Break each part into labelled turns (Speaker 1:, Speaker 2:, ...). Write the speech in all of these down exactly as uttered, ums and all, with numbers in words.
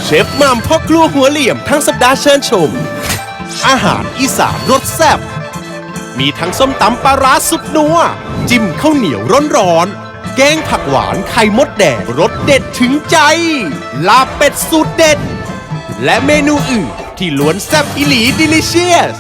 Speaker 1: เชฟมัมพ่อครัวหัวเหลี่ยมทั้งสัปดาห์เชิญชมอาหารอีสานรสแซ่บมีทั้งส้มตำปลาร้าสุดนัวจิ้มข้าวเหนียวร้อนๆแกงผักหวานไข่มดแดงรสเด็ดถึงใจลาบเป็ดสูตรเด็ดและเมนูอื่นที่ล้วนแซ่บอิหลีดิลิเชียส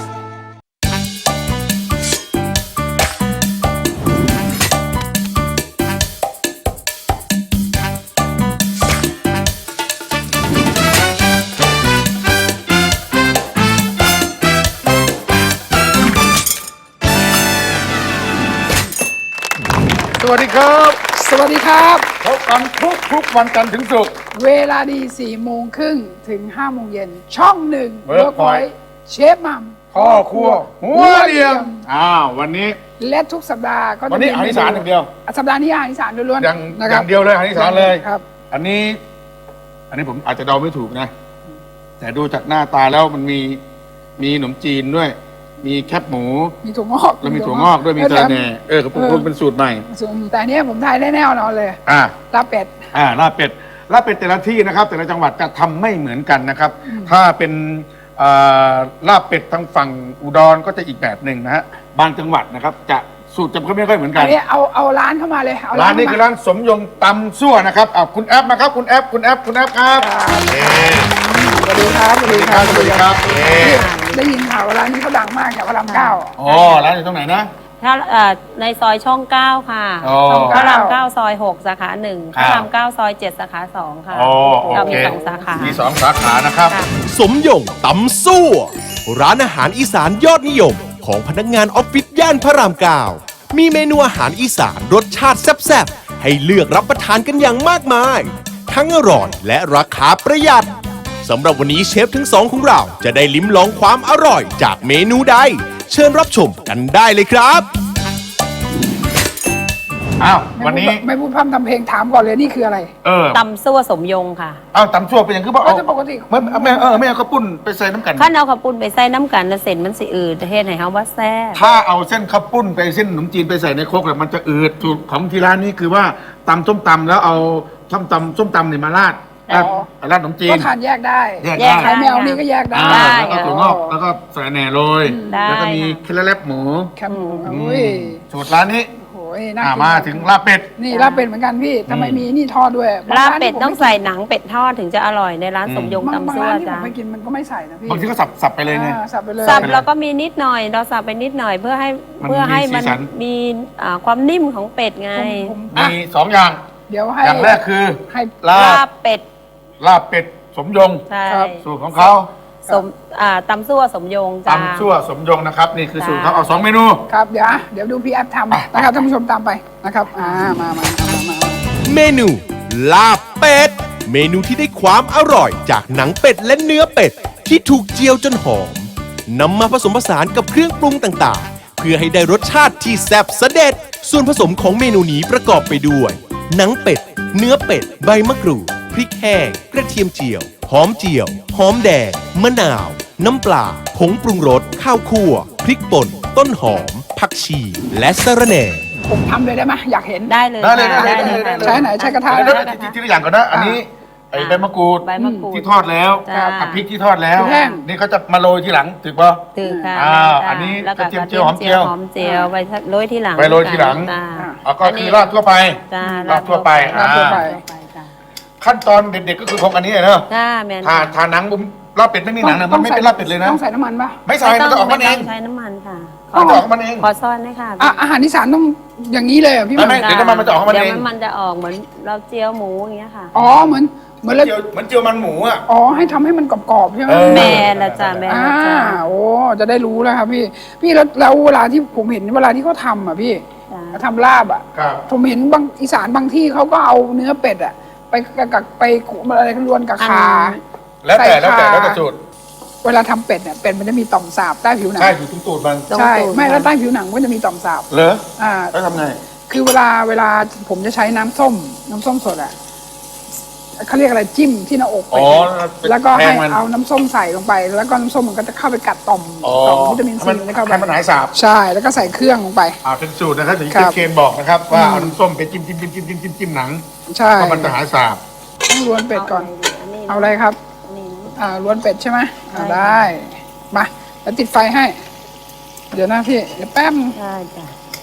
Speaker 2: สวัสดีครับ
Speaker 3: สวัสดีครับ
Speaker 2: พบกันทุกทุกวันจันทร์ถึงศุกร์
Speaker 3: เวลาดีสี่โมงครึ่งถึงห้าโมงเย็นช่องหนึ่ง
Speaker 2: Workpoint
Speaker 3: เชฟมัม
Speaker 2: พ่อครัวหัวเหลี่ยมอ้าววันนี้
Speaker 3: และทุกสัปดาห์ก็จะ
Speaker 2: วันนี้อาหารอีสานอย่างเดียว
Speaker 3: สัปดาห์นี้อาหารอีสานล้วน
Speaker 2: อย่าง
Speaker 3: ๆนะ
Speaker 2: อ
Speaker 3: ครั
Speaker 2: ย่า
Speaker 3: บ
Speaker 2: งเดียวเลยอาหารอีสานเลย
Speaker 3: ครับ
Speaker 2: อันนี้ อันนี้ผมอาจจะเดาไม่ถูกนะ แต่ดูจากหน้าตาแล้วมันมีมีขนมจีนด้วย มีแคบหมู
Speaker 3: มีถั่วงอก
Speaker 2: แล้วมีถั่วงอกด้วยมี
Speaker 3: เออ
Speaker 2: สาแหน่เออกระปุกเป็นสูตรใหม่
Speaker 3: ส่วนแต่อันเนี้ยผมทายได้แน่นอนเลย
Speaker 2: อ่า
Speaker 3: ลาบเป็ด
Speaker 2: อ่าลาบเป็ดลาบเป็ดแต่ละที่นะครับ แต่ละจังหวัดจะทำไม่เหมือนกันนะครับ ถ้าเป็นอ่าลาบเป็ดทางฝั่งอุดรก็จะอีกแบบหนึ่งนะฮะบางจังหวัดนะครับ จะสูตรจะไม่ค่อยเหมือนกั
Speaker 3: อั
Speaker 2: น
Speaker 3: นนี้เอาเอาร้านเข้ามาเลยเอา
Speaker 2: ร้านนี้
Speaker 3: เข้
Speaker 2: คือ
Speaker 3: ม
Speaker 2: ร้านสมยงตำซั่วนะครับอ่าคุณแอปนะครับคุณแอปคุณแอปคุณแอปครับเอ่
Speaker 3: สวัสดีครับสวัสดีครับ
Speaker 2: สวัสดีครับเอ่
Speaker 3: ได้ยินข่าวว่าร้านนี้เขาดังมากแถวพระรามเก้า
Speaker 2: อ๋อร้านอยู่ตรงไหนนะ
Speaker 4: ถ้าเอ่อในซอยช่องเก้าค่ะ
Speaker 2: อ๋อ
Speaker 4: พระรามเก้าซอยหกสาขาหนึ่ง
Speaker 2: ค
Speaker 4: พ
Speaker 2: รับ
Speaker 4: ระรามเก้าซอยเจ็ดสาขาสองค่ะ
Speaker 2: อ๋อโอ
Speaker 4: เรา
Speaker 2: เค
Speaker 4: มีสองสาขา
Speaker 2: มีสองสาขานะครับ
Speaker 4: ค่ะ
Speaker 1: สมยงตำซั่วร้านอาหารอีสานยอดนิยม ของพนักงานออฟฟิศย่านพระรามเก้ามีเมนูอาหารอีสานรสชาติแซ่บๆ ให้เลือกรับประทานกันอย่างมากมาย ทั้งอร่อยและราคาประหยัดสำหรับวันนี้เชฟทั้งสองของเราจะได้ลิ้มลองความอร่อยจากเมนูใด เชิญรับชมกันได้เลยครับ
Speaker 2: อ้าว
Speaker 3: ไม่
Speaker 2: วันนี้
Speaker 3: พูดไม่พูดพร่ำทำเพลงถามก่อนเลยนี่คืออะไร
Speaker 2: เออ
Speaker 4: ตำซั่วสมยงค่ะ
Speaker 2: เอาตำซั่วเป็นอย่างคือบอก
Speaker 3: ก็
Speaker 2: เอา
Speaker 3: จะปกติ
Speaker 2: ไม่ไม่เออไม่เอาข้าวปุ้นไปใส่น้ำกัน
Speaker 4: ขั้นเอาข้าวปุ้นไปใส่น้ำกันแล้วเส้นมันสิอืดเฮ็ดให้เฮาว่าแซ่บ
Speaker 2: ถ้าเอาเส้นข้าวปุ้นไปเส้นขนมจีนไปใส่ในโครกเนี่ยมันจะอืดสูตรของที่ร้านนี้คือว่าตำส้มตำแล้วเอาส้มตำส้มตำเนี่ยมาราด
Speaker 3: อ๋อ
Speaker 2: ราดขนมจีน
Speaker 3: ก็ทานแยกได้
Speaker 2: แยก
Speaker 4: แย
Speaker 2: ได้
Speaker 4: ก
Speaker 3: ใครไม่เอานี่ก็แยกได้
Speaker 2: อ่าแล้วก็ถั่วงอกแล้วก็ใส่แหน่โรย
Speaker 4: ได้
Speaker 2: แล้วก็มี
Speaker 4: ค่ะ
Speaker 2: เคล็ดลับหมู
Speaker 3: แคบหมู
Speaker 2: อืม
Speaker 3: อุ้ย
Speaker 2: สูตรร้านนี้
Speaker 3: โอ้ยน่า
Speaker 2: อ่า
Speaker 3: กิน
Speaker 2: มาถึงลาบเป็ด
Speaker 3: นี่ลาบเป็ดเหมือนกันพี่ทำไมมีนี่ทอดด้วยบง
Speaker 4: ลาบ
Speaker 3: ร้น
Speaker 4: เป็ด
Speaker 3: ที่ผม
Speaker 4: ต้องใส่หนังเป็ดทอดถึงจะอร่อยในร้าน
Speaker 2: อืม
Speaker 4: สมยง
Speaker 3: บางบาง
Speaker 4: ตำซั่ว
Speaker 3: ร้านที่ผ
Speaker 4: จ้ะ
Speaker 3: มไปกินมันก็ไม่ใส่นะพี่
Speaker 2: บางทีก็สับสับไปเลยเนี่ย
Speaker 3: อ่าสับไปเลย
Speaker 4: สับแล้วก็มีนิดหน่อยเราสับไปนิดหน่อยเพื่อให้
Speaker 2: มัน
Speaker 4: เพื่อให้
Speaker 2: มีสี
Speaker 4: มัน
Speaker 2: สัน
Speaker 4: มีอ่าความนิ่มของเป็ดไง
Speaker 3: ผมผมอ่ะ
Speaker 2: มีสองอย่าง
Speaker 3: เดี๋ยวให้
Speaker 2: อย่างแรกคือ
Speaker 3: ให้
Speaker 2: ลา
Speaker 4: ลา
Speaker 2: บบ
Speaker 4: เป็ด
Speaker 2: ลาบเป็ดสมยง
Speaker 4: ใช่
Speaker 3: ครับ
Speaker 2: สูตรของเขา
Speaker 4: สมอ่าตำซั่วสมยงจ้า
Speaker 2: ตำซั่วสมยงนะครับ นี่คือ
Speaker 4: จ้า
Speaker 2: สูตรเขาเอาสองเมนู
Speaker 3: ครับเดี๋ยวอ่ะเดี๋ยวดูพี่แอฟทำนะครับท่านผู้ชมตามไปนะครับอ่ามามามามามา
Speaker 1: เมนู ลาบเป็ด เมนูที่ได้ความอร่อยจากหนังเป็ดและเนื้อเป็ด ที่ถูกเจียวจนหอมนำมาผสมผสานกับเครื่องปรุงต่างๆ เพื่อให้ได้รสชาติที่แซ่บเสด็จ ส่วนผสมของเมนูนี้ประกอบไปด้วย หนังเป็ด เนื้อเป็ด ใบมะกรูด พริกแห้ง กระเทียมเจียว หอมเจียว หอมแดง มะนาว น้ำปลา ผงปรุงรส ข้าวคั่ว พริกป่น ต้นหอม ผักชี และสะระแหน่
Speaker 3: ผมทำเลยได้ไหมอยากเห็น
Speaker 4: ได้เลย
Speaker 2: ได้เลย
Speaker 4: ค่ะ
Speaker 2: ได้เลย
Speaker 4: ค่ะ
Speaker 2: ได้เลย
Speaker 3: ใช้ไหนใช้กระทะ
Speaker 2: เดี๋ยว
Speaker 3: นะ
Speaker 2: เดี๋ยวทีละอย่างก่อนนะ อันนี้ไอ้ใบมะกรูด
Speaker 4: ใบมะกรูด
Speaker 2: ที่ทอดแล้ว
Speaker 4: จ้า
Speaker 2: กับพริกที่ทอดแล้ว
Speaker 3: แห้ง
Speaker 2: นี่เขาจะมาโรยทีหลังถูกป่ะ
Speaker 4: ถือค่ะ
Speaker 2: อ่า
Speaker 4: จ้ะ
Speaker 2: อันนี้
Speaker 4: แล้วก็
Speaker 2: กระเทียมเจียวหอมเจียว
Speaker 4: หอมเจียวไปโรยที่หลัง
Speaker 2: ไปโรยทีหลัง
Speaker 4: จ้า
Speaker 2: อ่ะก็คือราดทั่วไป
Speaker 4: จ้า
Speaker 2: ราดทั่วไป
Speaker 3: ราดทั่วไป
Speaker 4: ทั่วไปจ้า
Speaker 2: ขั้นตอนเด็ดๆก็คือของอันนี้เนอะ
Speaker 4: จ้าแมน
Speaker 2: ทาทาหนังบุ้มลาบเป็ดไม่มีหนังนะมันไม่เป็นลาบเป็ดเลยนะ
Speaker 3: ต้องใส่น้ำมันปะ
Speaker 2: ไม่ใส่มันจะออกมันเอง
Speaker 4: ไต้ใช้น้ำมันค่ะ
Speaker 2: มันจะออกมันเอง
Speaker 4: ขอซ่อนด้วยค่ะ
Speaker 3: อ่ะอาหารอีสานต้องอย่างนี้เลยเหรอพี่
Speaker 2: ไม่
Speaker 3: มัน
Speaker 2: ไม่ เดี๋ยวน้ำมันมันจะออกของมันเอง
Speaker 4: เดี๋ยวมันจะออกเหมือนเราเจียวหมูอย่างเงี้ยค่ะ
Speaker 3: อ๋อเหมือนเหมือนเรา
Speaker 2: เจียวเหมือนเจียวมันหมูอ่ะ
Speaker 3: อ๋อให้ทำให้มันกรอบๆใช่ไหม
Speaker 2: เออ
Speaker 4: แม่ละจ้าแม่
Speaker 3: อ่า
Speaker 4: ละจ้า
Speaker 3: โอ้จะได้รู้แล้วครับพี่ พี่แล้วแล้วเวลาที่ผมเห็นเวลาที่เขาทำอ่ะพี่
Speaker 4: จ้า
Speaker 3: ทำลาบอ่ะ
Speaker 2: ครับ
Speaker 3: ผมเห็นบางอีสานบางที่เขาก็เอาเนื้อเป็ดอ่ะ ไปกับไปขูดอะไรกันรวนกับขา
Speaker 2: แล้วแต่
Speaker 3: ใส่
Speaker 2: แล้วแต่
Speaker 3: ขา
Speaker 2: แล้วแต่สูตร
Speaker 3: เวลาทำเป็ดเนี่ยเป็ดมันจะมีต่อมสาบใต้ผิวหนัง
Speaker 2: ใช่อยู่ตรงตูดมัน
Speaker 3: ใช่ไม่แล้วใต้ผิวหนังมันจะมีต่อมสาบ
Speaker 2: เหรอ
Speaker 3: อ่า
Speaker 2: แล้วทำไง
Speaker 3: คือเวลาเวลาผมจะใช้น้ำส้ม น้ำส้มสดอ่ะเขาเรียกอะไรจิ้มที่หน้าอก
Speaker 2: อ๋
Speaker 3: เป็ด
Speaker 2: อ
Speaker 3: แล้วก็
Speaker 2: แท
Speaker 3: ให้
Speaker 2: งมัน
Speaker 3: เอาน้ำส้มใส่ลงไป แล้วก็น้ำส้มมันก็จะเข้าไปกัดต่อม
Speaker 2: อ๋อ
Speaker 3: ต่อมวิตามิน
Speaker 2: ให้
Speaker 3: ซี
Speaker 2: มัน
Speaker 3: มันจะเข้าไป
Speaker 2: ให้มันหายสาบ
Speaker 3: ใช่แล้วก็ใส่เครื่องลงไป
Speaker 2: อ่าเป็นสูตรนะครับอย่างที่
Speaker 3: ครับ
Speaker 2: เคนบอกนะครับว่าเอาน้ำส้มไปจิ้มจิ้มจิ้มจิ้มจิ้มจิ้มจิ้มหนัง
Speaker 3: ใช่
Speaker 2: เพราะมันจะหายสาบ
Speaker 3: ต้องรวนเป็ดก่อน
Speaker 4: นนี้
Speaker 3: เอาอะไรครับ
Speaker 4: ค
Speaker 3: อ่าล้วนเป็ดใช่ไหมอ่า
Speaker 4: ได้
Speaker 3: ได้มาแล้วติดไฟให้ เดี๋ยวนะพี่เดี๋ยวแป๊บ
Speaker 4: ได้จ้ะ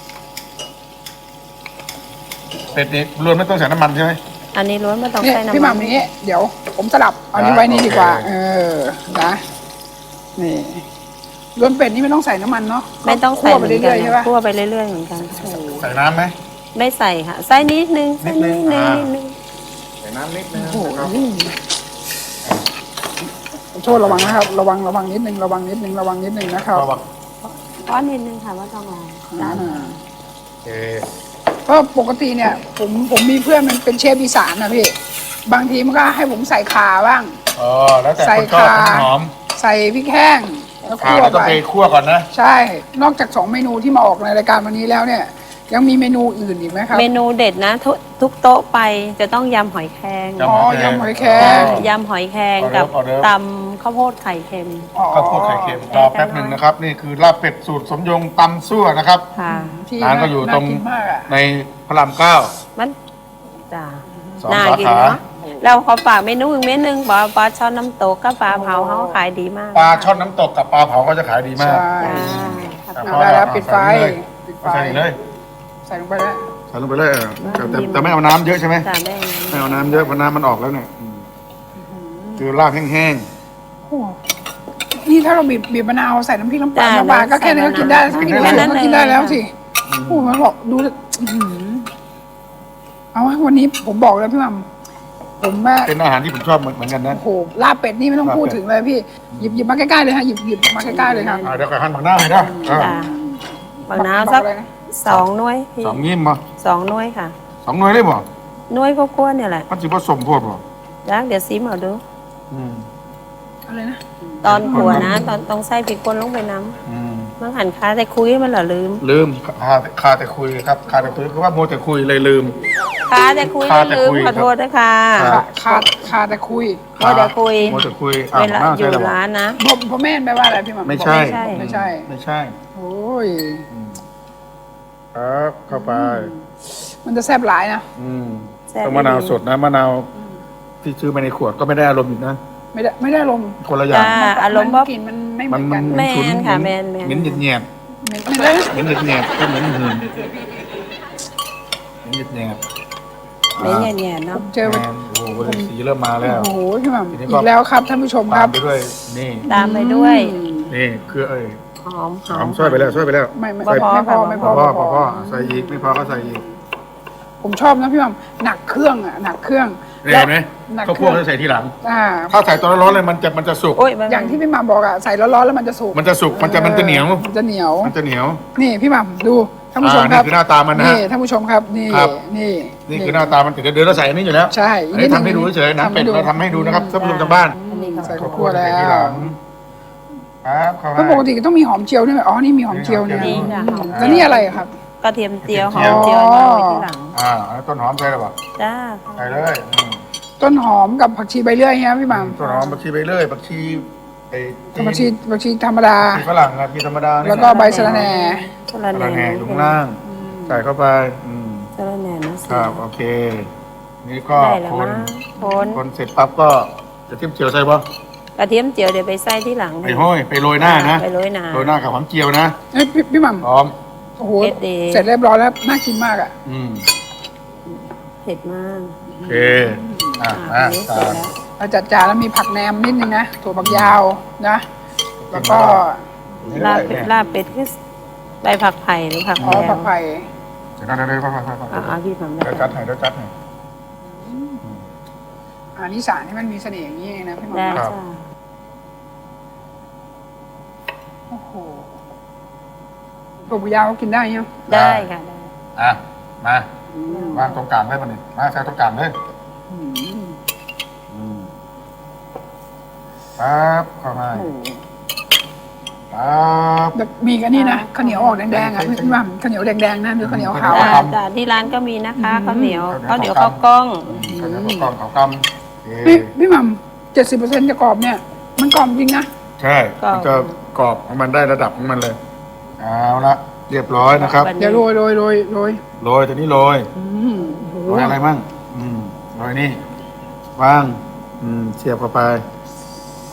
Speaker 2: เป็ดนี่รวนไม่ต้องใส่น้ำมันใช่ไหม
Speaker 4: อันนี้ล้วนไม่ต้อง
Speaker 3: เนี่ย
Speaker 4: ใส่น้ำ
Speaker 3: พี่ห
Speaker 4: มั
Speaker 3: ม่ำอย่างนี้เดี๋ยวผมสลับเอานี้ไว้นี่ดีกว่า เออนะนี่ล้วนเป็ดนี่ไม่ต้องใส่น้ำมันเนาะ
Speaker 4: ไม่ต้องใส่
Speaker 3: คั่ว
Speaker 4: เห
Speaker 3: ไป
Speaker 4: มือนกั
Speaker 3: เรื่อยๆใช่ปะ
Speaker 4: คั่วไปเรื่อยๆเหมือนกัน
Speaker 2: ใส่น้ำไหม
Speaker 4: ไม่ใส่ค่ะใส่นิดนึงใส่
Speaker 2: นิ
Speaker 4: นิ
Speaker 2: ด
Speaker 4: ด
Speaker 2: นึ
Speaker 4: นึ
Speaker 2: ง
Speaker 4: ง
Speaker 2: อ่า
Speaker 4: นิดนึง
Speaker 2: ใส่น้ำนิดนึง
Speaker 3: โอ้โห
Speaker 2: นะครับ
Speaker 3: โทษระวังนะครับ ระวังระวังนิดนึงระวังนิดนึงระวังนิดนึงนะครับ
Speaker 2: ระวัง
Speaker 4: ก้อนนิดนึงค่ะว่าต้องเอาจ้ะ
Speaker 3: อ่า
Speaker 2: โอเค
Speaker 3: ก็ปกติเนี่ย ผมผมมีเพื่อนมันเป็นเชฟอีสานนะพี่บางทีมันก็ให้ผมใส่ข่าบ้าง
Speaker 2: อ๋อแล้วแต่
Speaker 3: ใส่
Speaker 2: คนชอบ
Speaker 3: ข่า
Speaker 2: หอม
Speaker 3: ใส่พริกแห้งแล้ว
Speaker 2: ขา
Speaker 3: คั่ว
Speaker 2: เราต้อ
Speaker 3: ไป
Speaker 2: งไปคั่วก่อนนะ
Speaker 3: ใช่ นอกจากสองเมนูที่มาออกในรายการวันนี้แล้วเนี่ย ยังมีเมนูอื่นอีกไหมครับ
Speaker 4: เมนูเด็ดนะทุกทุกโต๊ะไปจะต้องยำหอยแครง
Speaker 2: ยำ
Speaker 3: อ๋อยำหอยแคร
Speaker 4: จ้ะ
Speaker 3: ง
Speaker 4: ยำหอยแครง
Speaker 2: ออเดิ
Speaker 4: กั
Speaker 2: ร์
Speaker 4: บ
Speaker 2: ฟออเดิร์ฟ
Speaker 4: ตำข้าวโพดไข่เค็ม
Speaker 3: อ๋อ
Speaker 2: ข้าวโพดไข่เค็มรอแป๊บหนึ่งนะครับ นี่คือลาบเป็ดสูตรสมยงตำซั่วนะครับ
Speaker 4: ค่ะ
Speaker 3: ที่
Speaker 2: ร้านก็อยู่ตรง
Speaker 3: ากินมากอะ
Speaker 2: ในพระรามเก้า
Speaker 4: มันจ้า
Speaker 2: สอง
Speaker 4: น่า
Speaker 2: สา
Speaker 4: กิน
Speaker 2: ขา
Speaker 4: เนาะเราขอฝากเมนูอีกเมนูหนึงบอกว่าปลาช่อนน้ำตกกับปลาเผาเขาขายดีมาก
Speaker 2: ปลาช่อนน้ำตกกับปลาเผาก็จะขายดีมาก
Speaker 3: ใช่
Speaker 4: จ้า
Speaker 3: เอาได้แล้วปิดไฟปิดไฟ
Speaker 2: ใส่เลย
Speaker 3: ใส่ลงไปแล้ว
Speaker 2: ใส่ลงไปเลยเออแต่แต่แต่ไม่เอาน้ำเยอะใช่ไหม
Speaker 4: จ้าแม่
Speaker 2: ไม่เอาน้ำเยอะเพราะน้ำมันออกแล้วเนี่ยอืมคือลาบแห้ง
Speaker 3: โอ้นี่ถ้าเราบีบบีบมะนาวใส่น้ำพริกน้ำปลาน้ำปลาก็แค่นี้ก็กินได้ถ้ากินได้ก็กินได้แล้วสิโอ้มันบอกดูอื้อหือเอาวะวันนี้ผมบอกแล้วพี่หม่ำผมว่า
Speaker 2: ๆเป็นอาหารที่ผมชอบเหมือนเหมือนกันนะ
Speaker 3: โอ้โหลาบเป็ดนี่ไม่ต้องพูดถึงเลยพี่หยิบหยิบมาใกล้ๆเลยฮะหยิบหยิบมาใกล้ๆเลยครับ
Speaker 2: อ่าเดี๋ยวก็หั่นผักหน้าให้ได้เออ
Speaker 4: จ้าบางน้ำสัก
Speaker 3: บอกอะไรนะ
Speaker 4: สองหน่วยพี่
Speaker 2: สองยิ้มมา
Speaker 4: สองหน่วยค่ะ
Speaker 2: สองหน่วยได้บ่
Speaker 4: หน่วยก็กวนเนี่ยแหละ
Speaker 2: มันสิผสมโพดบ่
Speaker 4: แล้วเดี๋ยวซิมเอาดู
Speaker 2: อืม
Speaker 3: อะไรนะ
Speaker 4: ตอนขัวนะ ตอนต้องใส่พริกป่นลงไปน้
Speaker 2: อืม
Speaker 4: ำมันหันค้าแต่คุยมันเหรอลืม
Speaker 2: ลืมคาคาแต่คุยครับคาแต่คุยคือว่าโมแต่คุยเลยลืม
Speaker 4: ค้าแต่คุย
Speaker 2: ค้า
Speaker 4: แล้ว
Speaker 2: แต่
Speaker 4: ลืม
Speaker 2: คุย
Speaker 4: ขอโทษด้วยค่ะ
Speaker 2: ครับ
Speaker 3: ขาดขาดแต่คุย
Speaker 4: โมแต่คุย
Speaker 2: โมแต่คุยอ่ะ
Speaker 4: เวลา
Speaker 2: น่
Speaker 4: อยู่
Speaker 2: ใช่แล้วบ่
Speaker 4: ร้านนะ
Speaker 3: พ่อพ่อแม่แปลว่าอะไรพี่หม่ำ
Speaker 2: ไม่ใช่
Speaker 3: บอกไม่ใช่
Speaker 2: ไม่ใช่
Speaker 3: โอ้ย
Speaker 2: ครับเข้าไป
Speaker 3: มันจะแซ่บหลายนะ
Speaker 2: อืม
Speaker 4: แซ่บ
Speaker 2: ต้องมะนาวสดนะมะนาวที่ซื้อมาในขวดก็ไม่ได้อารมณ์อีกนะ
Speaker 3: ไม่ได้ไม่ได้ลมณ์
Speaker 2: คนละอย่า
Speaker 4: จ้าง อารมณ์
Speaker 3: มั
Speaker 4: ว่าน
Speaker 3: กลิ่นมันไม่เหมือนกัน
Speaker 4: แม่น
Speaker 2: ฉุน
Speaker 4: ค่ะแม่นแม่น
Speaker 2: เหม็นเหยียด
Speaker 3: ไม่ไม่ได้
Speaker 2: ๆเหม็นเหยียดๆก็เหม็นหืนเหม็นเหยียดๆ
Speaker 4: ไม่แง่ๆเนาะ
Speaker 3: เจอ
Speaker 2: แมนโอ้โหสีเริ่มมาแล้ว
Speaker 3: โอ้โหพี่หม่ำ
Speaker 2: ทีนี้
Speaker 3: อี
Speaker 2: ก็
Speaker 3: กแล้วครับท่านผู้ชมค
Speaker 2: ตา
Speaker 3: รั
Speaker 2: ม
Speaker 3: บ
Speaker 2: ไปด้วยนี่
Speaker 4: ตามไปด้วย
Speaker 3: อืม
Speaker 2: นี่คือเอ้ย
Speaker 4: หอมห
Speaker 2: ห
Speaker 4: อ
Speaker 2: อ
Speaker 4: ม
Speaker 2: มช่วยไปแล้วช่วยไปแล้ว
Speaker 3: ไม่ไม่
Speaker 4: บ่
Speaker 3: ไม่
Speaker 4: พอ
Speaker 3: ไม่พอ
Speaker 4: ค่ะ
Speaker 3: ไม่พ
Speaker 2: พ
Speaker 3: อ
Speaker 2: อ
Speaker 3: ไม่
Speaker 2: พ
Speaker 3: พ
Speaker 2: อ
Speaker 3: อ
Speaker 2: พอใส่อีกไม่พอก็ใส่อีก
Speaker 3: ผมชอบนะพี่หม่ำหนักเครื่องอ่ะหนักเครื่อง
Speaker 2: เห็นไหม
Speaker 3: หนัก
Speaker 2: ข้าว
Speaker 3: เค
Speaker 2: โพ
Speaker 3: รื่
Speaker 2: ดจะใส่ทีหลัง
Speaker 3: อ่า
Speaker 2: ถ้าใส่ตอนร้อนๆเลยมันจะมันจะสุก
Speaker 4: โอ้ยมัน
Speaker 3: อย่างที่พี่หม่ำบอกอ่ะใส่ร้อนๆแล้วมันจะสุก
Speaker 2: มันจะสุกมันจะมันจะเหนียว
Speaker 3: มันจะเหนียว
Speaker 2: มันจะเหนียว
Speaker 3: นี่พี่หม่ำดูท่านผู้ชม
Speaker 2: อ่า
Speaker 3: ครับ
Speaker 2: นี่คือหน้าตามันนะฮะ
Speaker 3: นี่ท่านผู้ชมครับนี่
Speaker 2: ครับ
Speaker 3: นี่
Speaker 2: นี่คือหน้าตามันติดเดี๋ยวเราใส่อันนี้อยู่แล้ว
Speaker 3: ใช่
Speaker 2: อันนี้ทำให้ดูเฉยๆนะเป็ดเราทำให้ดูนะครับท่านผู้ชมทางบ้าน
Speaker 4: อันนี้
Speaker 3: ใส่
Speaker 4: เขา
Speaker 3: ข้าวคั่วแล้
Speaker 2: ใส่ทีห
Speaker 3: ว
Speaker 2: ลังครับเข้า
Speaker 3: เพราะปกติก็ต้องมีหอมเจียวด้วยไหมอ๋อนี่มีหอมเจียวเนี่ย
Speaker 4: นี่ค่ะหอม
Speaker 3: แล้วนี่อะไรอะครับ
Speaker 4: กระเทียมเจียวหอ
Speaker 2: เจี
Speaker 4: ม
Speaker 2: ยว
Speaker 4: เจียวเอาไว้ที่หลัง
Speaker 2: อ่าแล้วต้นหอมใส่หรือเปล่า
Speaker 4: จ้า
Speaker 2: ใส่เลยอืม
Speaker 3: ต้นหอมกับผักชีใบเลื่อยฮะพี่หม่ำ
Speaker 2: ต้นหอมผักชีไปเรื่อยผักชีไอ้
Speaker 3: ผักชีผักชีธรรมดา
Speaker 2: ผักชีฝรั่งนะพี่ธรรมดานี่
Speaker 3: แล้วก็ใบสะระแหน่
Speaker 4: สะระ
Speaker 2: ก
Speaker 4: แห
Speaker 2: ระ
Speaker 4: น่
Speaker 2: แหน่อยู่ข้างล่าง ใส่เข้าไปอืม
Speaker 4: สะระแหน่นะสิ
Speaker 2: ครับโอเค นี่ก็
Speaker 4: ได้แล้ว
Speaker 2: คน
Speaker 4: นะคน
Speaker 2: คนเสร็จปั๊บก็จะทิ้มเจียวใส่ปะ
Speaker 4: กระเทียมเจียวเดี๋ยวไปใส่ที่หลัง
Speaker 2: ไปห้อยไปโรยหน้านะ
Speaker 4: ไปโรยหน้า
Speaker 2: โรยหน้ากับหอมเจียวนะ
Speaker 3: เอ้ยพี่พี่หม่
Speaker 2: พร้อม
Speaker 3: ำโอ้โห
Speaker 4: เผ็ดดี
Speaker 3: เสร็จเรียบร้อยแล้วน่ากินมากอ่ะ
Speaker 2: อืม
Speaker 4: เผ็ดมาก
Speaker 2: โอเคอ่ะ
Speaker 4: อ่ะ
Speaker 2: อ่ะ
Speaker 4: อันนี้เสร็
Speaker 2: ตา
Speaker 4: จ
Speaker 2: ม
Speaker 4: แล้ว
Speaker 3: เราจัดจานแล้วมีผักแหนมนิดนึงนะถั่วฝักยาวนะ แล้วก็
Speaker 4: ลาบเป็ดลาบเป็ดคือใบผักไผ่หรือผัก
Speaker 3: อ๋อ
Speaker 4: แพร
Speaker 3: ผักไผ่
Speaker 2: เดี๋ยวนะเดี๋ยวนะเดี๋ยวนะ
Speaker 4: อ่าอ่าพี่ผม
Speaker 2: เดี๋ยวจัดให้เดี๋ยวจัดให้
Speaker 3: อันนี้สารที่มันมีเสน่ห์อย่างนี้เองนะพี่หม่ำ
Speaker 4: ได้
Speaker 2: ครับ
Speaker 4: จ้า
Speaker 3: โอ้โหถั่วฝักยาวก็กินได้ยัง
Speaker 4: ได้ค่ะได้
Speaker 2: อ่ะมาวางตรงกลางได้ปะเนี่ยมาใส่ตรงกลางเลยอืมปั๊บเข้ามา
Speaker 3: โอ้โห
Speaker 2: ปั๊บ
Speaker 3: แบบมีกันนี่นะข้าวเหนียวออกแดงๆอ่ะพี่หม่ำข้าวเหนียวแดงๆนะหรือข้าวเหนียวขาว
Speaker 4: จ้า
Speaker 3: อะ
Speaker 4: จ้าที่ร้านก็มีนะคะข้าวเหนียว
Speaker 2: ข้า
Speaker 4: ข้าว ว
Speaker 2: เห
Speaker 4: เห
Speaker 2: นี
Speaker 4: นี
Speaker 2: ย
Speaker 4: ยว ว
Speaker 2: ข้า
Speaker 4: ข้าว ว
Speaker 2: ก
Speaker 4: ก
Speaker 2: ล้
Speaker 4: ล้
Speaker 2: อ
Speaker 4: อง ง
Speaker 2: ข้าวเหนียวข้าวกล้องข้าวกำเอ๊ะ
Speaker 3: พี่พี่หม่ำเจ็ดสิบเปอร์เซ็นต์จะกรอบเนี่ย มันกรอบจริงนะ
Speaker 2: ใช่ มันจะกรอบของมันได้ระดับของมันเลย เอาละเรียบร้อยนะครับ
Speaker 3: เดี๋ยวโรยโรยโรยโรย
Speaker 2: โรยตัวนี้โรย
Speaker 3: อืมโอ้โห
Speaker 2: โรยอะไรมั่งอืมโรยนี่วาง อืมเสียบเข้าไป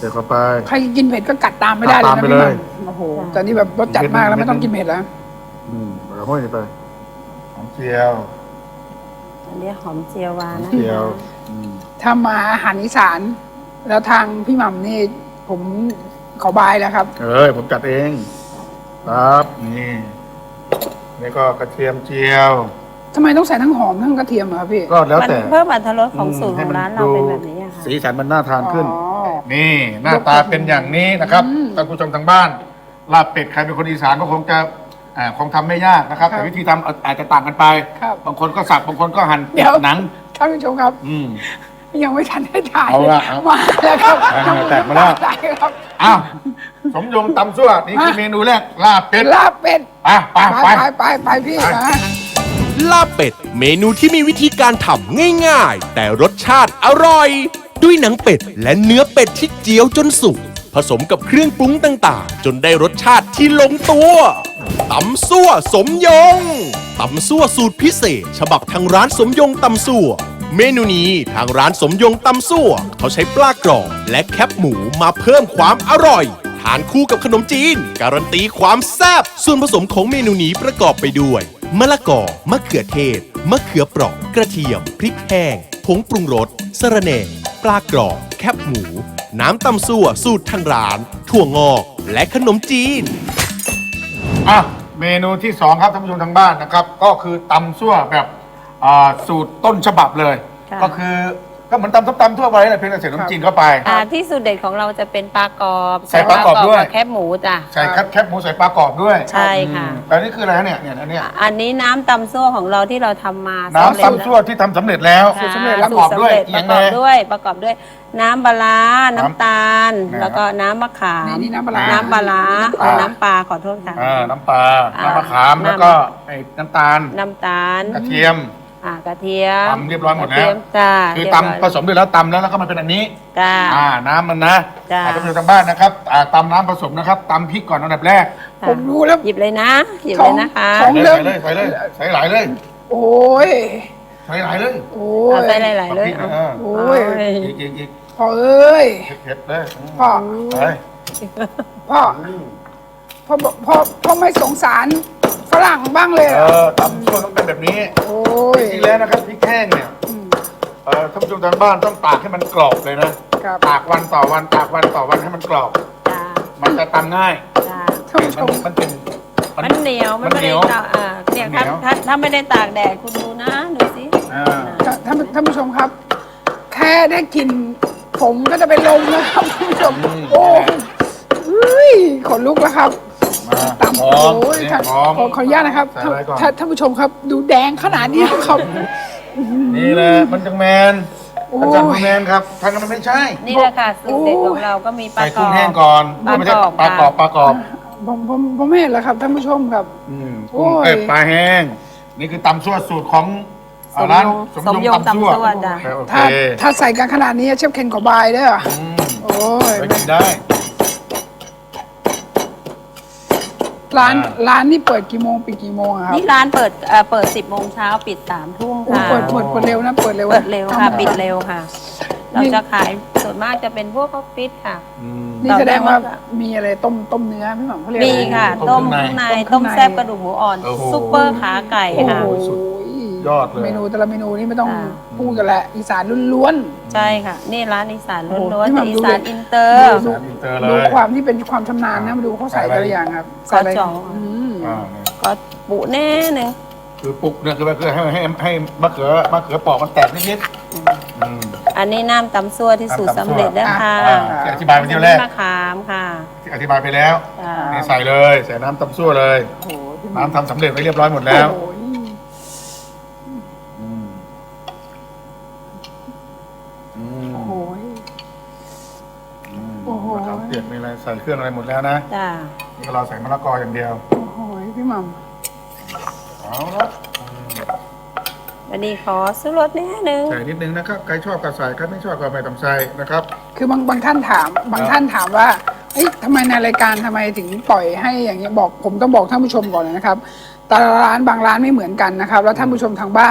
Speaker 2: ใส่เข้าไป
Speaker 3: ใครกินเผ็ดก็กัดตามไม่ได้เลย
Speaker 2: กัดตาม
Speaker 3: นะ
Speaker 2: ไป
Speaker 3: พี่
Speaker 2: เล
Speaker 3: มั
Speaker 2: ย
Speaker 3: มโอ้โหแต่นี่แบบรสจัดมากแล้วไม่ต้องกินเผ็ดแล้ว
Speaker 2: อืมแล้วห้อยไปหอมเจียว
Speaker 4: อันนี้หอมเจียววานะ
Speaker 2: เจียวอืม
Speaker 3: ถ้ามาอาหารอีสาน แล้วทางพี่หม่ำนี่ผมขอบายแล้วครับ
Speaker 2: เอ้ยผมจัดเองครับนี่นี่ก็กระเทียมเจียว
Speaker 3: ทำไมต้องใส่ทั้งหอมทั้งกระเทียมอะครับพี่
Speaker 2: ก็แล้ว
Speaker 4: มัน
Speaker 2: แต่
Speaker 4: เพิ่มอรรถรสของสูตรข
Speaker 2: ให้
Speaker 4: อง
Speaker 2: มั
Speaker 4: ร้านเราเป็นแบบนี้อะค่ะ
Speaker 2: สีสันมันน่าทานขึ้น
Speaker 3: อ๋อ
Speaker 2: นี่หน้าตาเป็นอย่างนี้นะครับ
Speaker 3: อืม
Speaker 2: ท่านผู้ชมทางบ้านลาบเป็ดใครเป็นคนอีสานก็คงจะอ่าคงทำไม่ยากนะครับ
Speaker 3: ครับ
Speaker 2: แต่วิธีทำอาอาจจะต่างกันไป
Speaker 3: ครับ
Speaker 2: บางคนก็สับบางคนก็หั่น
Speaker 3: เดี๋ยว
Speaker 2: หนัง
Speaker 3: ท่านผู้ชมครับ
Speaker 2: อืม
Speaker 3: ยังไม่ทันได้ถ่าย
Speaker 2: เอาละเอา
Speaker 3: มาแล้วครับ
Speaker 2: อ่าแตกมาแล้ว
Speaker 3: ตายครับ
Speaker 2: อ้าวสมยงตำซั่วนี่คือเมนูแรกลาบเป็ด
Speaker 3: ลาบเป็ด
Speaker 2: อ่ะไป
Speaker 3: ไป
Speaker 2: ไป
Speaker 3: ไปไปไปพี่
Speaker 2: ไป
Speaker 3: นะ
Speaker 1: ลาบเป็ดเมนูที่มีวิธีการทำง่ายๆ แต่รสชาติอร่อย ด้วยหนังเป็ดและเนื้อเป็ดที่เจียวจนสุกผสมกับเครื่องปรุงต่างๆ จนได้รสชาติที่ลงตัวตำซั่วสมยงตำซั่วสูตรพิเศษ ฉบับทางร้านสมยงตำซั่วเมนูนี้ทางร้านสมยงตำซั่วเขาใช้ปลากรอบและแคบหมูมาเพิ่มความอร่อยทานคู่กับขนมจีน การันตีความแซ่บส่วนผสมของเมนูนี้ประกอบไปด้วยมะละกอมะเขือเทศมะเขือเปราะกระเทียม พริกแห้งผงปรุงรสสะระแหน่ปลากรอบแคบหมู น้ำตำซั่วสูตรทางร้าน ถั่วงอกและขนมจีน
Speaker 2: อ่ะเมนูที่สองครับท่านผู้ชมทางบ้านนะครับ ก็คือตำซั่วแบบอ่าสูตรต้นฉบับเลย
Speaker 4: ค่ะ
Speaker 2: ก็คือก็เหมือนตำส้มตำทั่วไปแหละเพียงแต่ใส่ขนมจีนเข้าไป
Speaker 4: อ่าที่สูตรเด็ดของเราจะเป็นปลากรอบ
Speaker 2: ใส่ปลากรอบด้วย
Speaker 4: บแคบหมูจ้ะ
Speaker 2: ใส่แคบแคบหมูใส่ปลากรอบด้วย
Speaker 4: ใช่ค่ะ
Speaker 2: อืมแต่นี่คืออะไรฮะเนี่ยเนี่ยอันเนี้ย
Speaker 4: อันนี้น้ำตำซั่วของเราที่เราทำมา
Speaker 2: น้ำ
Speaker 4: สำเร็จ
Speaker 2: ตำซั่วที่ทำสำเร็จแล้ว
Speaker 4: ค่ะ
Speaker 3: สำเร็จแล้ว
Speaker 2: ประกอบด้วย
Speaker 4: สูตรสำเร็จประกอบด้วยประกอบด้วย น้ำปลาร้าน้ำตาล
Speaker 2: น้ำ
Speaker 4: แล้วก็น้ำมะขาม
Speaker 3: นี่นี่น้ำปลาร้า
Speaker 4: น้ำปลาร้า
Speaker 2: น้ำปลา
Speaker 4: เอาน้ำปลาขอโทษค่ะ
Speaker 2: อ่าน้ำปลา
Speaker 4: อ่า
Speaker 2: น้ำมะขาม
Speaker 4: น้ำ
Speaker 2: แล้วก็ไอ้น้ำตาล
Speaker 4: น้ำตาล
Speaker 2: กระเทียม
Speaker 4: อ่ากระเทียม
Speaker 2: ตำเรียบร้อยหมดแล้ว
Speaker 4: กระเทียจ้า
Speaker 2: คือ
Speaker 4: เรียบร้ย
Speaker 2: ตำผสมด้วยแล้วตำแล้วแล้วก็มาเป็นอันนี้
Speaker 4: จ้า
Speaker 2: อ่าน้ำมันนะ
Speaker 4: จ้ะ
Speaker 2: อ่าท่านผู้ชมทางบ้านนะครับอ่าตำน้ำผสมนะครับตำพริกก่อนอันดับแรก
Speaker 4: ค่ะ
Speaker 3: ผมรู้แล้ว
Speaker 4: หยิบเลยนะ หยิบเลยนะคะ
Speaker 3: ท้อง
Speaker 2: ใส่เลยใส่เลยใส่หลายเลย
Speaker 3: โอ้ย
Speaker 2: ใส่หลายเลย
Speaker 3: โอ้
Speaker 4: เอา
Speaker 3: ย
Speaker 4: ใส่หลายๆเลย
Speaker 2: พริก
Speaker 4: เอา
Speaker 2: เออ
Speaker 3: โอ้ย
Speaker 4: เอาเลย
Speaker 2: อีกอีกอีก
Speaker 3: พ่อเอ้ย
Speaker 2: เผ็ดๆเลย
Speaker 3: พ่อ
Speaker 2: ไป
Speaker 3: พ่อพ่อบอกพ่อพ่อไม่สงสารฝรั่งบ้างเลย
Speaker 2: เอ
Speaker 3: เหรอ
Speaker 2: อตำซั่วต้องเป็นแบบนี้
Speaker 3: โอ้ย
Speaker 2: จริงๆแล้วนะครับพริกแห้งเนี่ยเอ่อท่านผู้ชมทางบ้านต้องตากให้มันกรอบเลยนะครับ ตากวันต่อวันตากวันต่อวันให้มันกรอบ
Speaker 4: จ้า
Speaker 2: มันจะตำง่าย
Speaker 4: จ้า
Speaker 3: ท่านผู้ช
Speaker 2: มัน
Speaker 3: ม
Speaker 2: มันเป็น
Speaker 4: มันเหนียวมันไม่
Speaker 2: เหนี
Speaker 4: ได้
Speaker 2: ยว
Speaker 4: ตากอ่าเนี่ย
Speaker 2: เหนี
Speaker 4: ถ้า
Speaker 2: ยว
Speaker 4: ถ้าถ้าไม่ได้ตากแดดคุณดูนะดูสิ
Speaker 2: อ่า
Speaker 3: ท่านท่านผู้ชมครับ แค่ได้กลินผมก็จะเป็นลมแล้วครับท่านผู้ชม โอ้ยเฮ้ยขนลุกแล้วครับ
Speaker 2: มา
Speaker 3: ตำ
Speaker 2: หอม
Speaker 3: โอ้ย
Speaker 2: เนี่ย
Speaker 3: ท่าน
Speaker 2: หอม
Speaker 3: ขอขออนุญาตนะครับ
Speaker 2: ใส่อะไรก่อน
Speaker 3: ท่านท่านผู้ชมครับ ดูแดงขนาดนี้ครับ
Speaker 2: นี่แหละมันจังแมน
Speaker 3: โอ้
Speaker 2: มันจังแมนครับทางนั้นมันไม่ใช่
Speaker 4: นี่แหละค่ะสูตรเด็ดของเราก็มีปลา
Speaker 2: ใส่
Speaker 4: กร
Speaker 2: กุ้
Speaker 4: อง บ
Speaker 2: แห้งก่อน
Speaker 4: ปลากรอบ
Speaker 2: ไม่ใช่ปลากรอบปลากรอบ
Speaker 3: ผมผมผมไม่เห็นแล้วครับท่านผู้ชมครับ
Speaker 2: อืม
Speaker 3: โอ้ย
Speaker 2: เอ้ยปลาแห้ง นี่คือตำซั่วสูตรของ
Speaker 4: สมยง
Speaker 2: ร้านสม
Speaker 4: สม
Speaker 2: ย
Speaker 4: ย
Speaker 2: ง
Speaker 4: ง
Speaker 2: ตำซั่ว
Speaker 4: ตำซั่วจ้ะ
Speaker 2: โอเค
Speaker 3: ถ้าถ้าใส่กันขนาดนี้เชฟเคนขอบายเด้อ
Speaker 2: อืม
Speaker 3: โอ้ย
Speaker 2: ไปกินได้
Speaker 3: ร้าน
Speaker 2: อ่า
Speaker 3: ร้านนี่เปิดกี่โมงปิดกี่โมงอะครับ
Speaker 4: นี่ร้านเปิดเอ่อเปิดสิบโมงเช้าปิดสามทุ่ม
Speaker 3: โอ้
Speaker 4: ค่ะ
Speaker 3: เปิดเปิดเปิดเร็วนะเปิดเร็ว
Speaker 4: เปิดเร็วค่ะ
Speaker 3: ทำ
Speaker 4: ปิดเร็วค่ะ เราจะขายส่วนมากจะเป็นพวกออฟฟิศค่ะ
Speaker 2: อืม
Speaker 3: นี่แสดงว่ามีอะไรต้มต้มเนื้อพี่หม่ำเขาเรียก
Speaker 4: มี
Speaker 3: อะไร
Speaker 4: ค่ะ
Speaker 2: ต้
Speaker 4: ต้
Speaker 2: ม
Speaker 4: ม
Speaker 2: ข้า
Speaker 4: ข้าง ง
Speaker 2: ใน
Speaker 4: ใน
Speaker 3: ต้
Speaker 4: ต้
Speaker 3: ม
Speaker 4: ม
Speaker 3: ข้างใน
Speaker 4: แซ่บกระดูกหมูอ่อน
Speaker 2: โอ้โห
Speaker 4: ซุปเปอร์ขาไก่
Speaker 3: โอ้
Speaker 4: ค่ะ
Speaker 3: โห
Speaker 2: สุดยอดเลย
Speaker 3: เมนูแต่ละเมนูนี่ไม่ต้อง
Speaker 4: อ่า
Speaker 3: พูดกันแหละอีสานล้วน
Speaker 4: ใช่ค่ะ นี่ร้านอีสาน
Speaker 3: โอ้โห
Speaker 4: ล้วน
Speaker 3: พี่
Speaker 4: ๆ
Speaker 3: หม่ำ
Speaker 4: แต่อี
Speaker 3: ดู
Speaker 4: สาน
Speaker 3: เลย
Speaker 4: อินเตอ
Speaker 3: ๆ
Speaker 4: ร์
Speaker 2: สานอินเตอร์เล
Speaker 3: ดู
Speaker 2: ย
Speaker 3: ความที่เป็นความชำนาญนะมาดูเขาใส่แต่ละอย่างครับ
Speaker 4: ซอส
Speaker 3: ใส่ะไร
Speaker 4: จ่อง
Speaker 3: อืม
Speaker 2: อ่า
Speaker 4: ก็ปุแน่หนึ่ง
Speaker 2: คือปลุกเนี่ยคือคือให้ให้ให้มะเขือมะเขือปอกมันแตกนิดๆอืม
Speaker 4: อันนี้น้ำตำซั่วที่สูตรสำเร็จนะคะ
Speaker 2: อ่าที่อธิบายไปที่แรก
Speaker 4: มะขามค่ะ
Speaker 2: ที่อธิบายไปแล้ว
Speaker 4: จ้า
Speaker 2: นี่ใส่เลยใส่น้ำตำซั่วเลย
Speaker 3: โอ้โหพี่ห
Speaker 2: น้ำทำสำเร็จไว้เรียบร้อยหมดแล้ว
Speaker 3: โอ้โห
Speaker 2: อืมอืม
Speaker 3: โอ้โห
Speaker 2: อืม
Speaker 3: โอ้โห
Speaker 2: มะขามเปียกมีอะไรใส่เครื่องอะไรหมดแล้วนะ
Speaker 4: จ้า
Speaker 2: นี่ก็เราใส่มะละกออย่างเดียว
Speaker 3: โอ้โหพี่หม่
Speaker 2: เอาละ
Speaker 4: วันนี้ขอซื้อรสนิดนึง
Speaker 2: ใส่นิดนึงนะครับใครชอบก็ใส่ใครไม่ชอบก็ไม่ต้องใส่นะครับ
Speaker 3: ำคือบางบางท่านถาม บางท่านถามว่าเอ้ยทำไมในรายการทำไมถึงปล่อยให้อย่างเงี้ยบอกผมต้องบอกท่านผู้ชมก่อนเลยนะครับแต่ละร้านบางร้านไม่เหมือนกันนะครับ แล้วท่านผู้ชมทางบ้านเนี่ย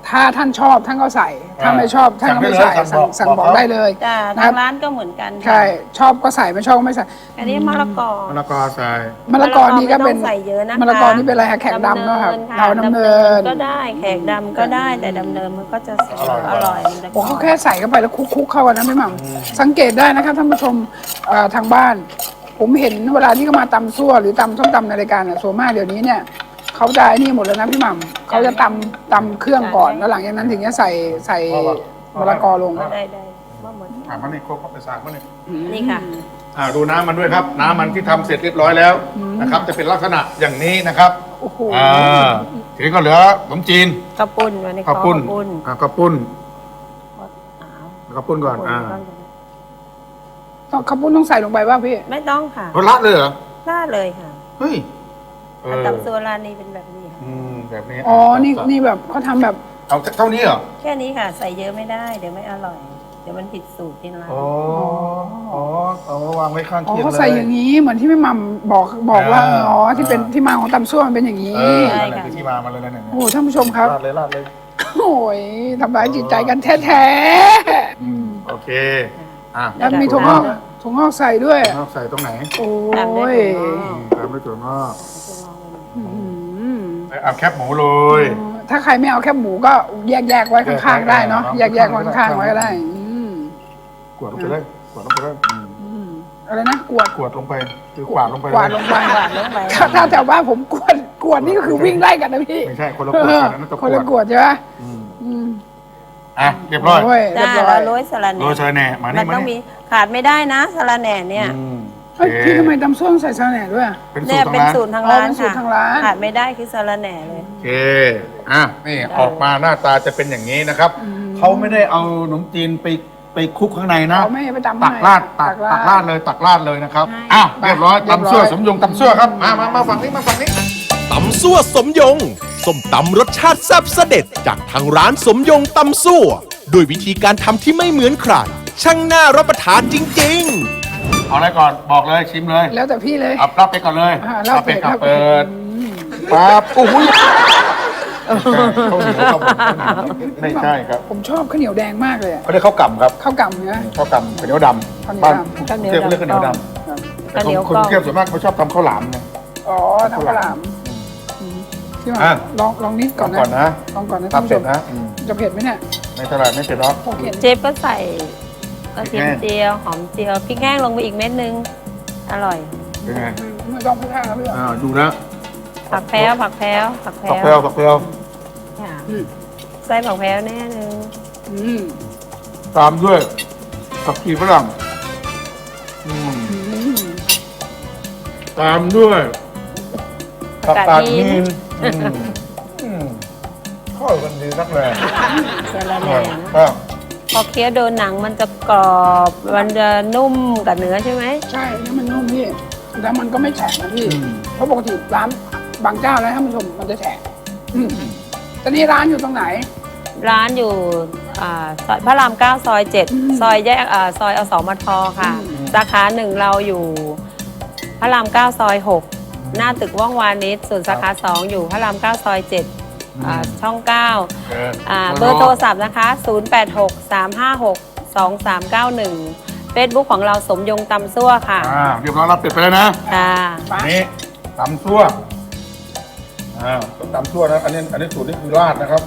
Speaker 3: ถ้าท่านชอบท่านก็ใส่ ถ้าไม่ชอบท่านก็ไม่ใส่
Speaker 2: สั่
Speaker 3: สั่
Speaker 2: ง
Speaker 3: ง
Speaker 2: ได้เลย
Speaker 3: สั่งบอกได้เลย
Speaker 4: จ้า
Speaker 3: นะค
Speaker 4: ทา
Speaker 3: รับ
Speaker 4: งร้านก็เหมือนกัน
Speaker 3: ใช่ชอบก็ใส่ไม่ชอบก็ไม่ใส่
Speaker 4: อันนี้มะละกอ
Speaker 2: มะละกอใส่
Speaker 3: มะละกอนี่ก็เป็น
Speaker 4: ไม่ต้องใส่เยอะนะคะ
Speaker 3: มะละกอนี่เป็นอะไรคะแขกดำเนอะครับ
Speaker 4: ะ
Speaker 3: เราดำเนิน
Speaker 4: ก็ได้แขกดำก็ได้แต่ดำเนินมันก็จะอร่อยมันจะ
Speaker 3: โอ้เขาแค่ใส่เข้าไปแล้วคลุกๆเข้ากันนะพี่หม่ำสังเกตได้นะครับท่านผู้ชมเอ่อทางบ้าน ผมเห็นเวลาที่เขามาตำซั่วหรือตำส้มตำในรายการอ่ะส่วนมากเดี๋ยวนี้เนี่ยเขาจะไอ้นี่หมดแล้วนะพี่หม่ำเขาจะตำตำเครื่องก่อนแล้วหลังจากนั้นถึงจะใส่ใส่มะละกอลง
Speaker 4: ได้ได้ว่าหมด
Speaker 2: อ่ะมันนี่โคกเข้าไปสากมันนี่
Speaker 4: นี่ค่ะ
Speaker 2: อ่าดูน้ำมันด้วยครับ น้ำมันที่ทำเสร็จเรียบร้อยแล้วนะครับ จะเป็นลักษณะอย่างนี้นะครับ
Speaker 3: โอ้โห
Speaker 2: อ่าทีนี้ก็เหลือขนมจีน
Speaker 4: กระปุ้นวันนี้
Speaker 2: ข้าวปุ้น
Speaker 4: ข้าวปุ้น
Speaker 2: อ่าข้าวปุ้น
Speaker 4: อ้าว
Speaker 2: ข้าวปุ้นก่อนอ่า
Speaker 3: ต้องข้าวปุ้นต้องใส่ลงไปป่ะพี่
Speaker 4: ไม่ต้องค่ะ
Speaker 2: เขาละเลยเหรอ
Speaker 4: น่าเลยค่ะ
Speaker 2: เฮ้ยเออ
Speaker 4: ตำซัวร้านนี้เป็นแบบนี้ค่ะ
Speaker 2: อืมแบบนี้
Speaker 3: อ๋อนี่นี่แบบเขาทำแบบ
Speaker 2: เอาเท่านี้เหรอ
Speaker 4: แค่นี้ค่ะ ใส่เยอะไม่ได้เดี๋ยวไม่อร่อย เดี๋ยวมันผิดสูตรที่ร้าน
Speaker 2: อ๋ออ๋อเอาวางไว้ข้าง
Speaker 3: อ๋อ
Speaker 2: เคียง
Speaker 3: เขา
Speaker 2: เลย
Speaker 3: ใส่อย่างนี้เหมือนที่พี่หม่ำบอกบอกว่า
Speaker 2: อ่า
Speaker 3: อ๋อที่เป็นที่มาของตำซั่วมันเป็นอย่างนี้
Speaker 2: เออนั่นแหละคือที่มามันเลยนะเนี่ย
Speaker 3: โอ้โหท่านผู้ชมครับ
Speaker 2: ราดเลยราดเลย
Speaker 3: โอ้ยทำร้ายจิตใจกันแท้
Speaker 2: อืมโอเคอ่ะ
Speaker 3: ๆแล้วมีถั่วงอกถั่วงอกใส่ด้วย
Speaker 2: ถั่วงอกใส่ตรงไหน
Speaker 3: โอ้
Speaker 4: ตามด้วย
Speaker 3: ย
Speaker 4: ถั่วงอก
Speaker 2: ตามด้วยถั่วงอก
Speaker 3: อืม
Speaker 2: เอาแคบหมูเลย
Speaker 3: ถ้าใครไม่เอาแค่หมูก็แยกแยกๆไว้ข้างๆได้เนาะแยกแยกๆไว้ข้างๆไว้ก็ได้อืม
Speaker 2: กวดลงไปเลยกวดลงไปเลยอืม
Speaker 3: อืมอะไรนะกวด
Speaker 2: กวดลงไปคือกวาดลงไป
Speaker 3: กวาดลงไป
Speaker 4: กวาดลงไป
Speaker 3: ถ้าถ้าแถวบ้านผมกวดกวดนี่ก็คือวิ่งไล่กันนะพี่
Speaker 2: ไม่ใช่คนละกวดกันนั่นตะ
Speaker 3: ค
Speaker 2: กวน ด
Speaker 3: ละกวดใช่ไหม
Speaker 2: อืม
Speaker 3: อืม
Speaker 2: อ่ะเรียบร้อย
Speaker 3: โอ้ยเรี
Speaker 4: จ้าย
Speaker 3: บร้อย
Speaker 4: เราโรยสลัดแห
Speaker 2: โรยเชยแหน่มา
Speaker 4: มั
Speaker 2: นี่
Speaker 4: น
Speaker 2: มา
Speaker 4: ต้องมี
Speaker 2: นี่
Speaker 4: ขาดไม่ได้นะสลัดแหน่เนี่ย
Speaker 2: อืม
Speaker 3: เฮ้ย
Speaker 2: โอเค
Speaker 3: พี่ทำไมตำส้มใส่ซาแหน่ด้วย
Speaker 2: เป็นสู
Speaker 4: เนี่
Speaker 2: ต
Speaker 4: ย
Speaker 2: รทาง
Speaker 4: เป็น
Speaker 2: ร้าน
Speaker 4: สูตรทาง
Speaker 3: อ๋อ
Speaker 4: ร้าน
Speaker 3: เป็นสูต
Speaker 4: ค่ะ
Speaker 3: รทางร้าน
Speaker 4: ขาดไม่ได้คือสลัดแหน่เลย
Speaker 2: โอเคอ่ะนี่ออกมาหน้าตาจะเป็นอย่างนี้นะครับ
Speaker 3: อืม
Speaker 2: เขาไม่ได้เอาขนมจีนไปไปคลุกข้างในนะ
Speaker 3: เอาไม่ให้ไปตำ
Speaker 2: ตัก
Speaker 3: ข้งใน
Speaker 2: ราดตักตักราดเลยตักราดเลยนะครับ
Speaker 4: ใช่
Speaker 2: อ้าวเรียบร้อย
Speaker 3: เรียบร้อย
Speaker 2: ตำซั่วสมยงตำซั่วครับมามามาฝั่งนี้มาฝั่งนี้
Speaker 1: ตำซั่วสมยง ส้มตำรสชาติแซ่บเสด็จจากทางร้านสมยงตำซั่วด้วยวิธีการทำที่ไม่เหมือนใคร ช่างน่ารับประทานจริงๆ
Speaker 2: เอาอะไรก่อนบอกเลยชิมเลย
Speaker 3: แล้วแต่พี่เลย
Speaker 2: เอารับไปก่อนเลย
Speaker 3: อ่ารับเป็ด
Speaker 2: ครับ
Speaker 3: รับเป็
Speaker 2: เปิ
Speaker 3: ด
Speaker 2: ดปั๊บโอ้โหข้าวเหนียวครับผมไม่ใช่ครับ
Speaker 3: ผมชอบข้าวเหนียวแดงมากเลยอะ
Speaker 2: เขาเรียกข้าวกล่ำครับ
Speaker 3: ข้าวกล่ำเนื้อ
Speaker 2: ข้าวกล่ำข้าวเหนียวดำ
Speaker 3: ข้าวเหนียว
Speaker 2: บ้าน
Speaker 3: ดำ
Speaker 2: กรุงเทพเรียกข้าวเหนียวดำ
Speaker 3: ครับ
Speaker 2: แต่
Speaker 4: ข้าวเหนียว
Speaker 2: คน
Speaker 4: กล้
Speaker 2: ก
Speaker 4: อง
Speaker 2: รุงเทพส่วนมากเขาชอบทำข้าวหลามไง
Speaker 3: อ๋อทำข้าวหลามอืมพี่หมา
Speaker 2: อ่ะ
Speaker 3: ลองลองนิดก่อนนะ
Speaker 2: ก่อนนะ
Speaker 3: ลองก่อนนะ
Speaker 2: ครั
Speaker 3: ท่า
Speaker 2: บ
Speaker 3: นผู้
Speaker 2: เส
Speaker 3: ช
Speaker 2: ร็จ
Speaker 3: ม
Speaker 2: นะอืม
Speaker 3: จะเผ็ดไหมเนี่ย
Speaker 2: ไม่เท่าไหร่ไม่เผ็ดหรอก
Speaker 3: โอเค
Speaker 4: เชฟก็ใส่กระเทียมเจียวหอมเจียวพริกแห้งลงไปอีกเม็ดนึง อร่อย
Speaker 2: เป็นไง
Speaker 3: ไม่ต้องพูดท่าครับพี่
Speaker 2: อ่าดูนะ
Speaker 4: ผักแพ้วผักแพ้วผักแพ้
Speaker 2: ผักแพรว
Speaker 4: ว
Speaker 2: ผักแพรว
Speaker 4: ค่ะ
Speaker 3: อืม
Speaker 4: ใส่ผักแพ้วแน่นึง
Speaker 3: อืม
Speaker 2: ตามด้วยผักชีฝรั่งอืม
Speaker 3: อืม
Speaker 2: ตามด้วยผักกาด
Speaker 4: หิ
Speaker 2: หิ
Speaker 4: น
Speaker 2: นอืมอืมเข้ากันดีนักเลย
Speaker 4: สลัดแหน่นะ
Speaker 2: ก็
Speaker 4: พอเคี้ยวโดนหนังมันจะกรอบ มันจะนุ่มกับเนื้อใช่ไหม
Speaker 3: ใช่แล้วมันนุ่มพี่แล้วมันก็ไม่แฉะนะพี่
Speaker 2: อืม
Speaker 3: เพราะปกติร้านบางเจ้าแล้วท่านผู้ชมมันจะแฉะอืมตอนนี้ร้านอยู่ตรงไหน
Speaker 4: ร้านอยู่อ่าซอยพระรามเก้าซอยเจ็ด
Speaker 3: อืม
Speaker 4: ซอยแยกอ่าซอยอสมทค่ะ
Speaker 3: อืม
Speaker 4: สาขาหนึ่งเราอยู่พระรามเก้าซอยหกหน้าตึกว่องวานิชส่วนสาขาสองอยู่พระรามเก้าซอยเจ็ดอ่าช่องเก้า
Speaker 2: เออ
Speaker 4: อ่าเบอร์โทรศัพท์นะคะ ศูนย์ แปด หก สาม ห้า หก สอง สาม เก้า หนึ่ง เฟซบุ๊กของเราสมยงตำซั่วค่ะ
Speaker 2: อ่าเรียบร้อยรับเป็ดไปแล้วนะ
Speaker 4: ค่ะ
Speaker 3: ไป
Speaker 2: อันนี้ตำซั่วอ่าตำซั่วนะอันนี้อันนี้สูตรนี่คือราดนะครับ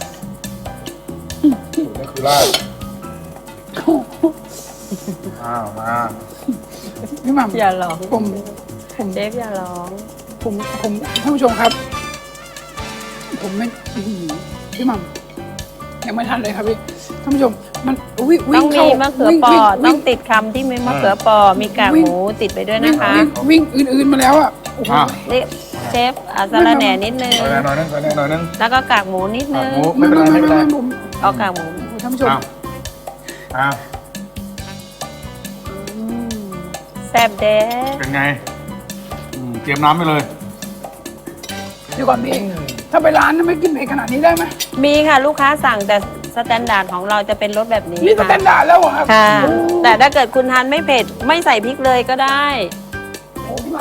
Speaker 2: สูตรนี่คือราดอ้าวมา
Speaker 3: พี่หม่ำ
Speaker 4: อย่าร้อง
Speaker 3: ผมผม
Speaker 4: เชฟอย่าร้อง
Speaker 3: ผมผมท่านผู้ชมครับ ผมไม่อื้อหือพี่หม่ำยังไม่ทันเลยครับพี่ท่านผู้ชมมันวิ่งวิ่
Speaker 4: ต้อง ง
Speaker 3: เข้า
Speaker 4: มีมะเขือ
Speaker 3: วิ่ง
Speaker 4: ปอ
Speaker 3: วิ่ง
Speaker 4: ต้องติดคำที่มีมะเขือปอ มีกากหมูติดไปด้วย
Speaker 3: วิ่
Speaker 4: นะ
Speaker 3: ง
Speaker 4: คะ
Speaker 3: วิ่งวิ่งอื่นๆมาแล้วอ่ะโอ้โห
Speaker 2: อ่ะ
Speaker 4: นี่เชฟอาซาลาแหน่นิดนึง
Speaker 2: ใส่หน่อยนึงใส่หน่อยนึง
Speaker 4: แล้วก็กากหมูนิดนึ
Speaker 2: กาก
Speaker 4: ง
Speaker 2: หมู ไม่เป็นไรไม่เป็นไร
Speaker 3: ผม
Speaker 4: เอากากหมู
Speaker 3: ท่านผู้ชม
Speaker 2: อ้าวอ้าว
Speaker 4: อืมแซ่บเด้
Speaker 2: เป็นไงอืมเตรียมน้ำไปเลย
Speaker 3: เดี๋ยวก่อนพี่ถ้าไปร้านนั้นไม่กินเผ็ดขนาดนี้ได้ไหม
Speaker 4: มีค่ะลูกค้าสั่งแต่สแตนดาร์ดของเราจะเป็นรสแบบนี้
Speaker 3: นี่สแตนดาร์ดแล้วเหรอครับ
Speaker 4: ค่ะ
Speaker 3: โอ้
Speaker 4: แต่ถ้าเกิดคุณทานไม่เผ็ด ไม่ใส่พริกเลยก็ได้
Speaker 3: โหพี่หม่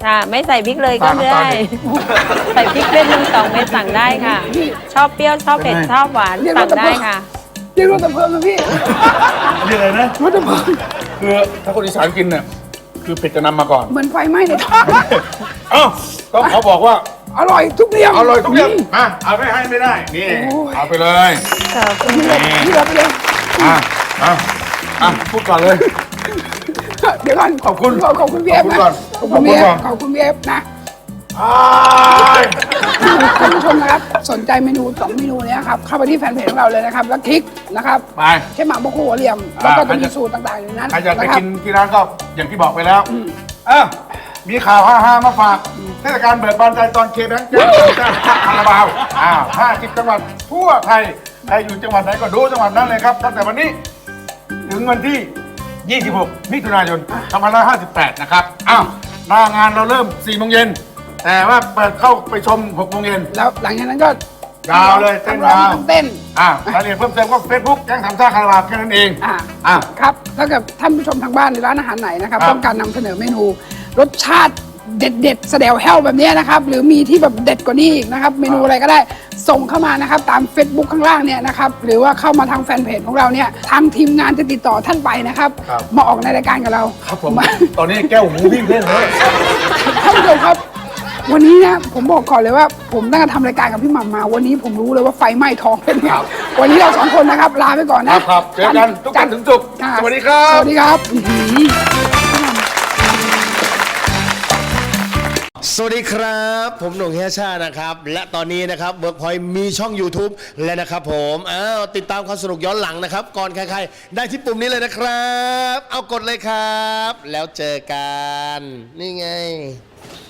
Speaker 4: ค่ะไม่ใส่พริกเลยก็
Speaker 2: ตามขั้นตอ
Speaker 4: ได้
Speaker 2: นดิ
Speaker 4: ใส่พริกเม็ดหนึ่งสองเม็ดสั่งได้ค่ะ ชอบเปรี้ยวชอบเผ็ดชอบหวานสั่งได้ค่ะ
Speaker 3: เรียกรถดับเพลิงนะพี่
Speaker 2: นี่อะไรนะ
Speaker 3: รถดับเพลิง
Speaker 2: คือถ้าคนอีสานกินเนี่ยคือเผ็ดจะนำมาก่อน
Speaker 3: เหมือนไฟไหม้ในท้อง
Speaker 2: เอ้าต้องเขาบอกว่า
Speaker 3: อร่อยทุกเรื่อง
Speaker 2: อร่อยทุกอย่างอ่ะเอาไม่ให้ไม่ได้นี่
Speaker 3: โอ้ย
Speaker 2: เอาไปเลย
Speaker 4: ขอบคุณ
Speaker 3: นี่เลยนี่เลยไปเลย
Speaker 2: อ่ะอ่ะอ่ะพูดก่อนเลย
Speaker 3: เดี๋ยวก่อน
Speaker 2: ขอบคุณ
Speaker 3: ขอบขอบคุณพี่เอฟ
Speaker 2: ขอบคุณก่อน
Speaker 3: นะขอบคุณพี่เอ
Speaker 2: ขอบคุณก่อน
Speaker 3: ฟขอบคุณพี่เอฟนะ
Speaker 2: อ้าย
Speaker 3: ท่านผู้ชมนะครับสนใจเมนูสองเมนูเนี้ยครับเข้าไปที่แฟนเพจของเราเลยนะครับแล้วคลิกนะครับ
Speaker 2: ไป
Speaker 3: ใช่หมักบะโคหัวเหลี่ยมแล้วก็
Speaker 2: อ่า
Speaker 3: จะมีสูตรต่างๆอยู่ในนั้น
Speaker 2: ใครอยากไป
Speaker 3: นะครั
Speaker 2: กิ
Speaker 3: บ
Speaker 2: นที่ร้านก็อย่างที่บอกไปแล้วอ่ะมีข่าวฮาๆมาฝากเทศกาลเบิกบานใจตอนเคแบงค์แจ้งเจ้าคาราบาวอ้าวห้าสิบจังหวัดทั่วไทยใครอยู่จังหวัดไหนก็ดูจังหวัดนั้นเลยครับตั้งแต่วันนี้ ถึงวันที่ ยี่สิบหก มิถุนายน สองพันห้าร้อยห้าสิบแปด นะครับ อ้าว หน้างานเราเริ่ม สี่โมงเย็น แต่ว่าเปิดเข้าไปชม หกโมงเย็น
Speaker 3: แล้วหลังจากนั้นก็
Speaker 2: ยาวเลยเต้น
Speaker 3: ร้อง
Speaker 2: ยาว
Speaker 3: ทั้งเต้น
Speaker 2: อ่ารายละเอียดเพิ่มเติมก็เฟซบุ๊กแก๊งสามซ่าคาราบาวแค่นั้นเอง
Speaker 3: อ่า
Speaker 2: อ่ะ
Speaker 3: ครับถ้าเกิดท่านผู้ชมทางบ้านหรือร้านอาหารไหนนะครับ
Speaker 2: ครับ
Speaker 3: ต้องการนำเสนอเมนู รสชาติเด็ดเด็ดๆแสดวแห้วแบบเนี้ยนะครับ หรือมีที่แบบเด็ดกว่านี้อีกนะครับ เมนูอะไรก็ได้ส่งเข้ามานะครับ ตาม Facebook ข้างล่างเนี่ยนะครับ หรือว่าเข้ามาทางแฟนเพจของเราเนี่ยทางทีมงานจะติดต่อท่านไปนะครับ
Speaker 2: ครับ
Speaker 3: มาออกในรายการกับเรา
Speaker 2: ครับผม ตอนนี้แก้วหูวิ่งเล่นเลย
Speaker 3: ท่านผู้ชมครับ วันนี้นะผมบอกก่อนเลยว่า ผมตั้งแต่ทำรายการกับพี่หม่ำมา วันนี้ผมรู้เลยว่าไฟไหม้ท้องเป็นไงวันนี้เราสองคนนะครับ ลาไปก่อน
Speaker 2: ค
Speaker 3: นะ
Speaker 2: รับครับเจอกันทุกวันถึงศุกร์
Speaker 3: ค่ะ
Speaker 2: สวัสดีครับ
Speaker 3: สวัสดีครับอื้อหือ
Speaker 5: สวัสดีครับ ผมหนุ่มเฮียชานะครับ และตอนนี้นะครับ Workpoint มีช่อง YouTube แล้วนะครับผมอ้าวติดตามความสนุกย้อนหลังนะครับ ก่อนใครๆ ได้ที่ปุ่มนี้เลยนะครับ เอากดเลยครับ แล้วเจอกัน นี่ไง